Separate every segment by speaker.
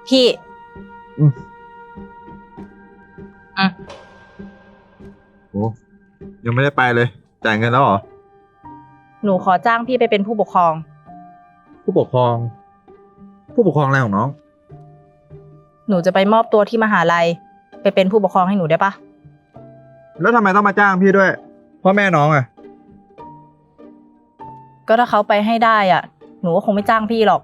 Speaker 1: พี่
Speaker 2: โอ้ยังไม่ได้ไปเลยจ่ายเงินแล้วเหรอ
Speaker 1: หนูขอจ้างพี่ไปเป็นผู้ปกครอง
Speaker 2: ผู้ปกครองอะไรของน้อง
Speaker 1: หนูจะไปมอบตัวที่มหาลัยไปเป็นผู้ปกครองให้หนูได้ปะ
Speaker 2: แล้วทำไมต้องมาจ้างพี่ด้วยพ่อแม่น้องอ่ะ
Speaker 1: ก็ถ้าเขาไปให้ได้อ่ะหนูก็คงไม่จ้างพี่หรอก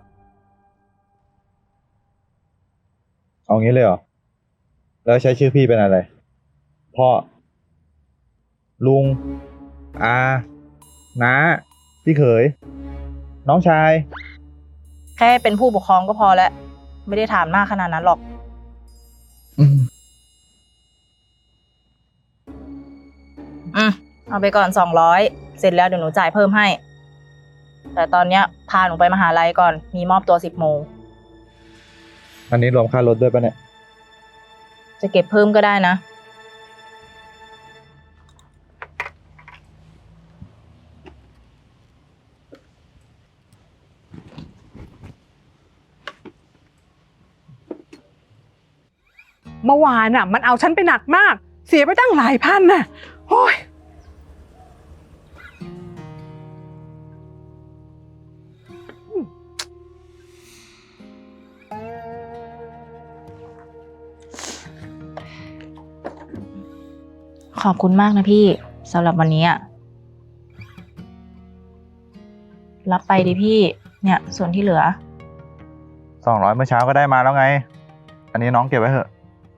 Speaker 2: เอางี้เลยเหรอแล้วใช้ชื่อพี่เป็นอะไรพ่อลุงอาน้าพี่เขยน้องชาย
Speaker 1: แค่เป็นผู้ปกครองก็พอแล้วไม่ได้ถามมากขนาดนั้นหรอกเอาไปก่อน200เสร็จแล้วเดี๋ยวหนูจ่ายเพิ่มให้แต่ตอนเนี้ยพาหนูไปมหาลัยก่อนมีมอบตัว10 โมง
Speaker 2: อันนี้รวมค่ารถด้วยปะเนี่ย
Speaker 1: จะเก็บเพิ่มก็ได้นะ
Speaker 3: เมื่อวานน่ะมันเอาฉันไปหนักมากเสียไปตั้งหลายพันน่ะโอ้ย
Speaker 1: ขอบคุณมากนะพี่สำหรับวันนี้รับไปดิพี่เนี่ยส่วนที่เหลือ
Speaker 2: 200เมื่อเช้าก็ได้มาแล้วไงอันนี้น้องเก็บไว้เถอะ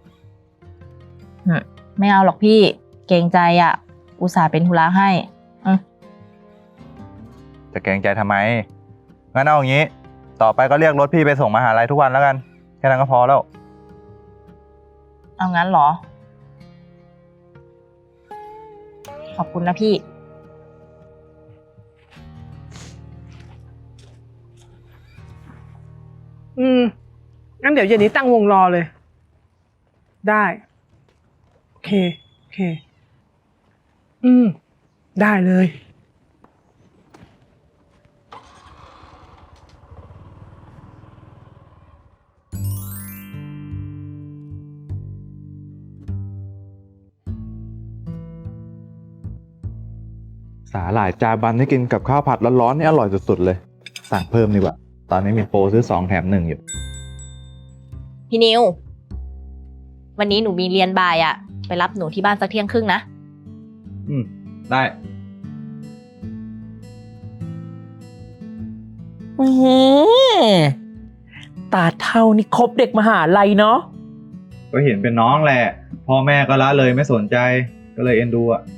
Speaker 1: ไม่เอาหรอกพี่เกรงใจอุตส่าห์เป็นธุระให้
Speaker 2: จะเกรงใจทำไมงั้นเอาอย่างนี้ต่อไปก็เรียกรถพี่ไปส่งมหาลัยทุกวันแล้วกันแค่นั้นก็พอแล้ว
Speaker 1: เอางั้นเหรอขอบคุณนะพี่
Speaker 3: งั้นเดี๋ยวเย็นนี้ตั้งวงรอเลยได้โอเคได้เลย
Speaker 2: สาหร่ายจาบันที่กินกับข้าวผัดร้อนๆนี่อร่อยสุดๆเลยสั่งเพิ่มดีกว่าตอนนี้มีโปรซื้อ2 แถม 1อยู่
Speaker 1: พี่นิววันนี้หนูมีเรียนบ่ายไปรับหนูที่บ้านสักเที่ยงครึ่งนะ
Speaker 2: ได้
Speaker 4: ตาเท่านี่คบเด็กมหาลัยเนาะ
Speaker 2: ก็เห็นเป็นน้องแหละพ่อแม่ก็ละเลยไม่สนใจก็เลยเอ็นดู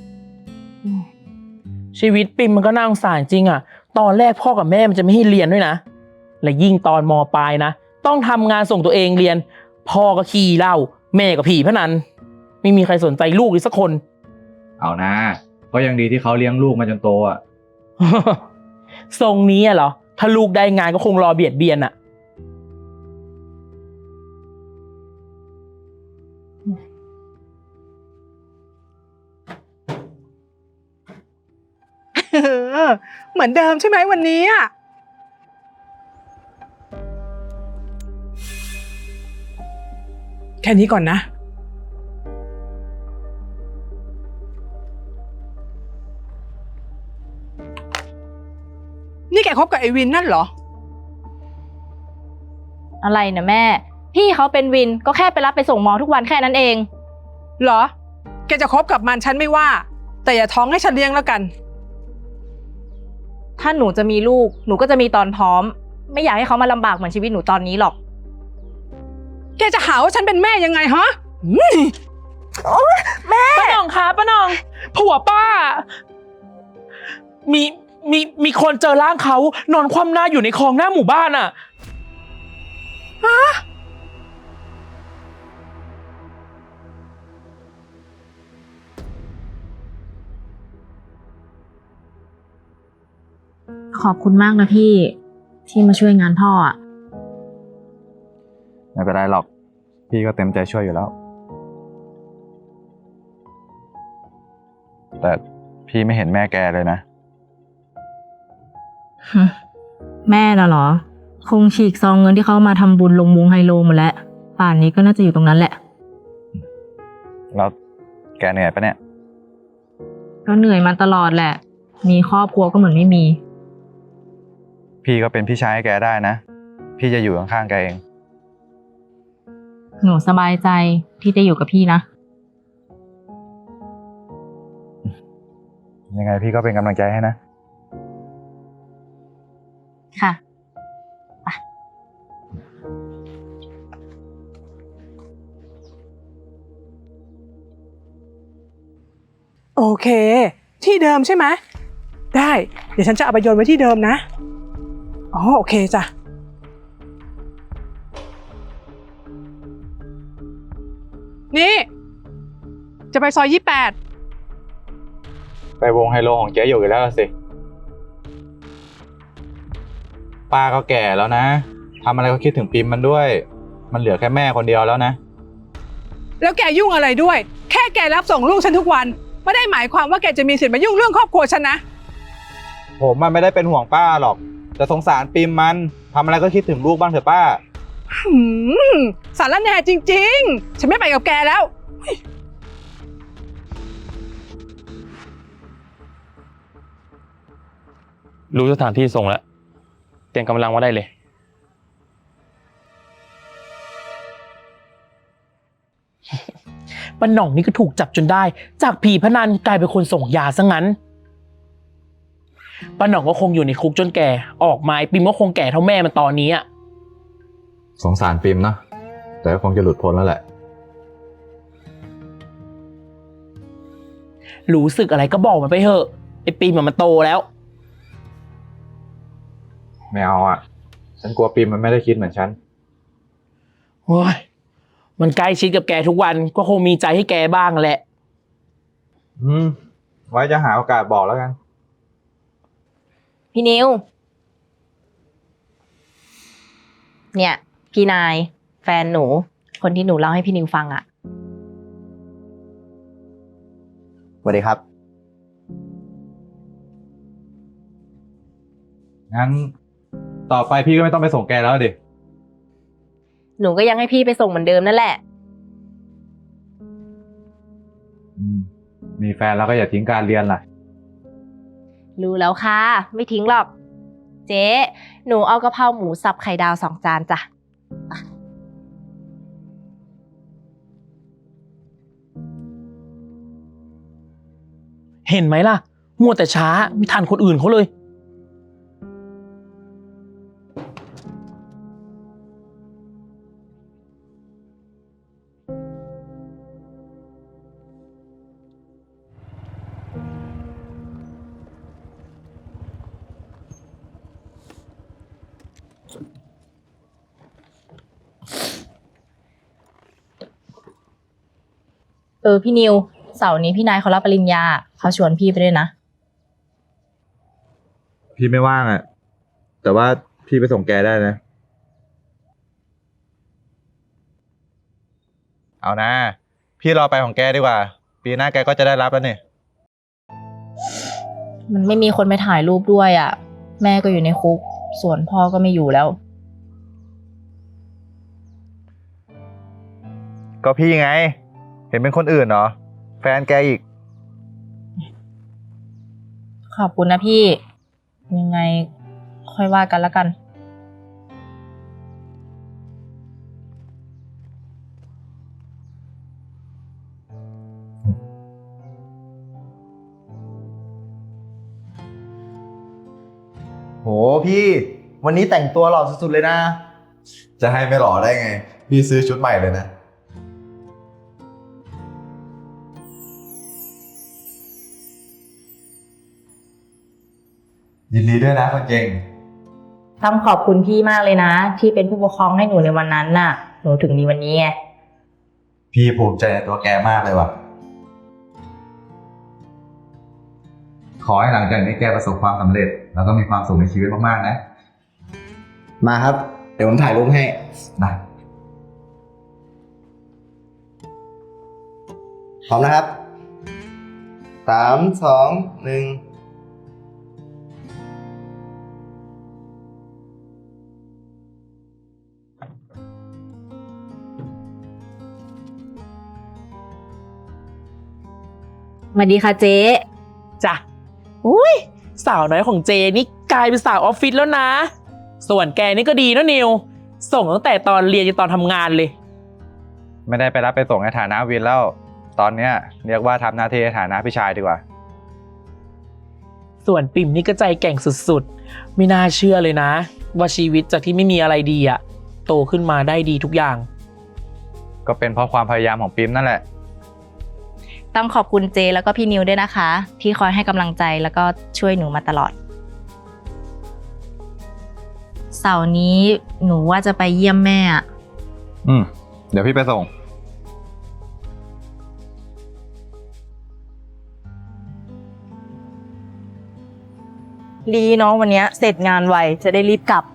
Speaker 4: ชีวิตปิมมันก็น่าสงสารจริงตอนแรกพ่อกับแม่มันจะไม่ให้เรียนด้วยนะและยิ่งตอนม.ปลายนะต้องทำงานส่งตัวเองเรียนพ่อก็ขี้เหล้าแม่ก็ผีพนันไม่มีใครสนใจลูกเลยสักคน
Speaker 2: เอานะก็ยังดีที่เขาเลี้ยงลูกมาจนโต
Speaker 4: ทรงนี้เหรอถ้าลูกได้งานก็คงรอเบียดเบียน
Speaker 3: เหมือนเดิมใช่ไหมวันนี้แค่นี้ก่อนนะนี่แกคบกับไอ้วินนั่นเหรอ
Speaker 1: อะไรนะแม่พี่เขาเป็นวินก็แค่ไปรับไปส่งมอทุกวันแค่นั้นเอง
Speaker 3: เหรอแกจะคบกับมันฉันไม่ว่าแต่อย่าท้องให้ฉันเลี้ยงแล้วกัน
Speaker 1: ถ้าหนูจะมีลูกหนูก็จะมีตอนพร้อมไม่อยากให้เขามาลำบากเหมือนชีวิตหนูตอนนี้หรอก
Speaker 3: แกจะหาว่าฉันเป็นแม่ยังไงฮะ
Speaker 4: แม่ป้าหน่องคะป้าหน่องผัวป้ามีคนเจอร่างเขานอนคว่ำหน้าอยู่ในคลองหน้าหมู่บ้าน
Speaker 3: ฮะ
Speaker 1: ขอบคุณมากนะพี่ที่มาช่วยงานพ่อ
Speaker 2: ไม่เป็นไรหรอกพี่ก็เต็มใจช่วยอยู่แล้วแต่พี่ไม่เห็นแม่แกเลยนะ
Speaker 1: แม่น่ะเหรอคงฉีกซองเงินที่เขามาทำบุญลงวงไฮโลหมดแล้ว ป่านนี้ก็น่าจะอยู่ตรงนั้นแหละ
Speaker 2: แล้วแกเหนื่อยปะเนี่ย
Speaker 1: ก็เหนื่อยมาตลอดแหละ มีครอบครัวก็เหมือนไม่มี
Speaker 2: พี่ก็เป็นพี่ชายให้แกได้นะ พี่จะอยู่ข้างๆแกเอง
Speaker 1: หนูสบายใจที่ได้อยู่กับพี่นะ
Speaker 2: ยังไงพี่ก็เป็นกำลังใจให้นะ
Speaker 1: ค่ะ
Speaker 3: โอเค ที่เดิมใช่ไหมได้ เดี๋ยวฉันจะเอาไปโยนไว้ที่เดิมนะอ๋อโอเคจ้ะนี่ จะไปซอย28
Speaker 2: ไปวงไฮโลของเจ๊อยู่กันแล้วสิ ป้าก็แก่แล้วนะ ทำอะไรก็คิดถึงปิมมันด้วย มันเหลือแค่แม่คนเดียวแล้วนะ
Speaker 3: แล้วแกยุ่งอะไรด้วย แค่แกรับส่งลูกฉันทุกวันไม่ได้หมายความว่าแกจะมีสิทธิ์มายุ่งเรื่องครอบครัวฉันนะ
Speaker 2: ผมมันไม่ได้เป็นห่วงป้าหรอก แต่สงสารปิมมัน ทำอะไรก็คิดถึงลูกบ้างเถอะป้า
Speaker 3: สารแหน่จริงๆ ฉันไม่ไปกับแกแล้ว
Speaker 4: รู้สถานที่ส่งแล้ว เตรียมกำลังมาได้เลย ป้าหน่องนี่ก็ถูกจับจนได้ จากผีพนันกลายเป็นคนส่งยาซะงั้นป้าหน่องก็คงอยู่ในคุกจนแก่ ออกมาไอ้ปิมก็คงแก่เท่าแม่มันตอนนี้อะ
Speaker 2: สงสารปิมนะ แต่ก็คงจะหลุดพ้นแล้วแหละ
Speaker 4: รู้สึกอะไรก็บอกมันไปเถอะไอ้ปิมมันโตแล้ว
Speaker 2: ไม่เอาอ่ะ ฉันกลัวปิมมันไม่ได้คิดเหมือนฉัน
Speaker 4: โอ้ยมันใกล้ชิดกับแกทุกวันก็คงมีใจให้แกบ้างแหละ
Speaker 2: ไว้จะหาโอกาสบอกแล้วกัน
Speaker 1: พี่นิว เนี่ย พี่นาย แฟนหนู คนที่หนูเล่าให้พี่นิวฟังอะ
Speaker 5: สวัสดีครับ
Speaker 2: งั้น ต่อไปพี่ก็ไม่ต้องไปส่งแกแล้วดิ
Speaker 1: หนูก็ยังให้พี่ไปส่งเหมือนเดิมนั่นแหละ
Speaker 2: มีแฟนแล้วก็อย่าทิ้งการเรียนล่ะ
Speaker 1: รู้แล้วค่ะ ไม่ทิ้งหรอก เจ๊หนูเอากะเพราหมูสับไข่ดาว2 จานจ้ะ
Speaker 4: เห็นไหมล่ะ มัวแต่ช้าไม่ทันคนอื่นเขาเลย
Speaker 1: พี่นิว เสาร์นี้พี่นายเขารับปริญญา เขาชวนพี่ไปด้วยนะ
Speaker 2: พี่ไม่ว่างอ่ะ แต่ว่าพี่ไปส่งแกได้นะ เอานะ พี่รอไปของแกดีกว่า ปีหน้าแกก็จะได้รับแล้วเนี่ย
Speaker 1: มันไม่มีคนไปถ่ายรูปด้วยอ่ะ แม่ก็อยู่ในคุก ส่วนพ่อก็ไม่อยู่แล้ว
Speaker 2: ก็พี่ไง เห็นเป็นคนอื่นเหรอ แฟนแกอีก
Speaker 1: ขอบคุณนะพี่ ยังไงค่อยว่ากันละกัน
Speaker 5: โหพี่ วันนี้แต่งตัวหล่อสุดๆเลยนะ
Speaker 6: จะให้ไม่หล่อได้ไง พี่ซื้อชุดใหม่เลยนะ ยินดีด้วยนะคนเก่ง
Speaker 1: ต้องขอบคุณพี่มากเลยนะ ที่เป็นผู้ปกครองให้หนูในวันนั้นน่ะ หนูถึงมีวันนี้ไง
Speaker 6: พี่ภูมิใจในตัวแกมากเลยว่ะ ขอให้หลังจากนี้แกประสบความสำเร็จ แล้วก็มีความสุขในชีวิตมากๆนะ
Speaker 5: มาครับ เดี๋ยวผมถ่ายรูปให้
Speaker 6: ได้
Speaker 5: พร้อมนะครับ 3 2 1
Speaker 1: สวัสดีค่ะเจ๊
Speaker 4: จ้ะอุ้ยสาวน้อยของเจนี่กลายเป็นสาวออฟฟิศแล้วนะ ส่วนแกนี่ก็ดีนะนิว ส่งตั้งแต่ตอนเรียนจนตอนทำงานเลย
Speaker 2: ไม่ได้ไปรับไปส่งในฐานะวินแล้ว ตอนเนี้ยเรียกว่าทำหน้าที่ในฐานะพี่ชายดีกว่า
Speaker 4: ส่วนปิ่มนี่ก็ใจแกร่งสุดๆ ไม่น่าเชื่อเลยนะ ว่าชีวิตจากที่ไม่มีอะไรดีอะโตขึ้นมาได้ดีทุกอย่าง
Speaker 2: ก็เป็นเพราะความพยายามของปิมนั่นแหละ
Speaker 1: ต้องขอบคุณเจแล้วก็พี่นิวด้วยนะคะ ที่คอยให้กำลังใจแล้วก็ช่วยหนูมาตลอด เสาร์นี้หนูว่าจะไปเยี่ยมแม่อะ
Speaker 2: เดี๋ยวพี่ไปส่ง
Speaker 1: ดีเนาะวันเนี้ยเสร็จงานไวจะได้รีบกลับ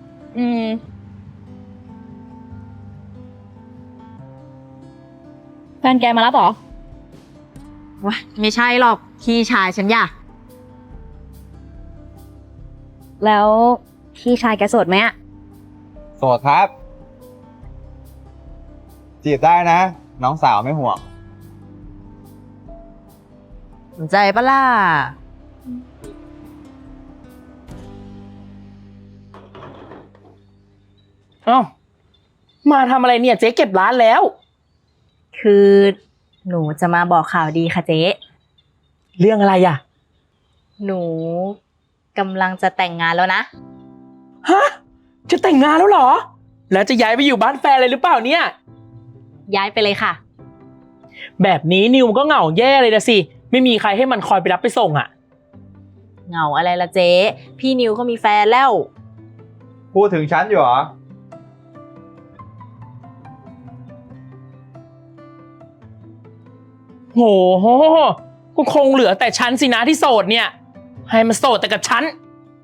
Speaker 7: แฟนแกมารับเหรอ
Speaker 1: ว้าไม่ใช่หรอกพี่ชายฉันอยาก
Speaker 7: แล้วพี่ชายแกโสดไหมอะ
Speaker 2: โสดครับ จีบได้นะ น้องสาวไม่ห่วง
Speaker 1: สนใจปะล่ะ
Speaker 4: เอ้ามาทำอะไรเนี่ยเจ๊เก็บร้านแล้ว
Speaker 1: คือหนูจะมาบอกข่าวดีค่ะเจ๊
Speaker 4: เรื่องอะไรอ่ะ
Speaker 1: หนูกำลังจะแต่งงานแล้วนะ
Speaker 4: ฮะ จะแต่งงานแล้วเหรอ แล้วจะย้ายไปอยู่บ้านแฟนเลยหรือเปล่าเนี่ย
Speaker 1: ย้ายไปเลยค่ะ
Speaker 4: แบบนี้นิวมันก็เหงาแย่เลยนะสิ ไม่มีใครให้มันคอยไปรับไปส่งอ่ะ
Speaker 1: เหงาอะไรละเจ๊พี่นิวเขามีแฟนแล้ว
Speaker 2: พูดถึงฉันอยู่เหรอ
Speaker 4: โหก็คงเหลือแต่ฉันสินะที่โสดเนี่ย ให้มันโสดแต่กับฉัน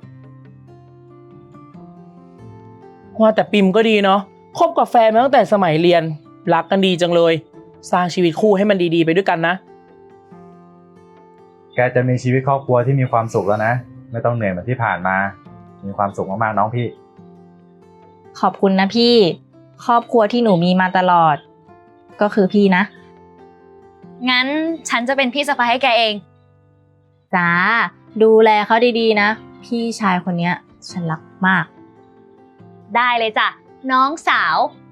Speaker 4: ว่าแต่ปิมก็ดีเนาะ คบกับแฟนมาตั้งแต่สมัยเรียน รักกันดีจังเลย สร้างชีวิตคู่ให้มันดีๆไปด้วยกันนะ
Speaker 2: แกจะมีชีวิตครอบครัวที่มีความสุขแล้วนะ ไม่ต้องเหนื่อยเหมือนที่ผ่านมา มีความสุขมากๆน้องพี่
Speaker 1: ขอบคุณนะพี่ ครอบครัวที่หนูมีมาตลอด ก็คือพี่นะ
Speaker 7: งั้นฉันจะเป็นพี่สะใภ้ให้แกเอง
Speaker 1: จ้า ดูแลเขาดีๆนะ พี่ชายคนเนี้ยฉันรักมาก
Speaker 7: ได้เลยจ้ะ น้องสาว